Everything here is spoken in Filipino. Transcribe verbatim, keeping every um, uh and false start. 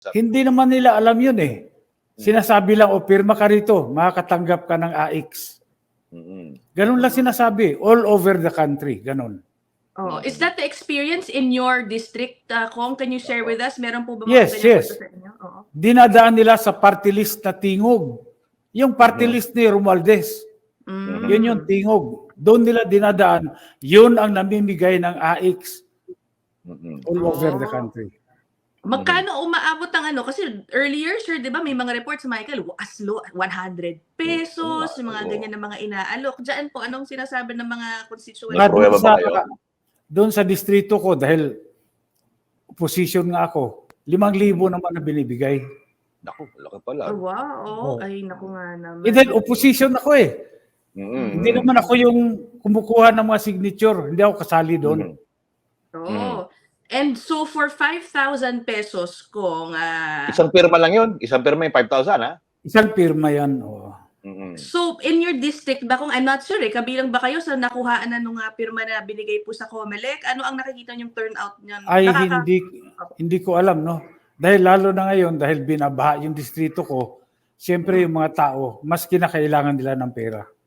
Hindi naman nila alam yun eh. Sinasabi lang, o pirma ka rito, makakatanggap ka ng A X. Ganun lang sinasabi, all over the country, ganun. Oh, is that the experience in your district, uh, Kong? Can you share with us? Meron po ba mga Yes, ganyan yes. po sa inyo? Oo. Dinadaan nila sa party list na tingog. Yung party list ni Romualdez, Mm. yun yung tingog. Doon nila dinadaan, yun ang namimigay ng A X all over the country. Magkano umaabot ang ano? Kasi earlier, sure, di ba, may mga reports, Michael, as low one hundred pesos, yung mga ganyan na mga inaalok. Diyan po, anong sinasabi ng mga constituents? Nga doon sa, doon sa distrito ko, dahil opposition nga ako, limang libo naman na binibigay. Naku, laki pala. Oh, wow, oh, Oh. ay naku nga naman. Eh, dahil opposition ako eh. Mm-hmm. Hindi naman ako yung kumukuha ng mga signature. Hindi ako kasali doon. Oh. Mm. And so for five thousand pesos kung... Uh, isang pirma lang yun. Isang pirma yung five thousand, ha? Isang pirma yan. Oh. Mm-hmm. So in your district ba, kung I'm not sure eh, kabilang ba kayo sa nakuhaan na nung uh, pirma na binigay po sa COMELEC? Ano ang nakikita niyong turnout niyan? Ay, Nakaka- hindi, hindi ko alam, no? Dahil lalo na ngayon, dahil binabaha yung distrito ko, siyempre yung mga tao, mas kinakailangan nila ng pera.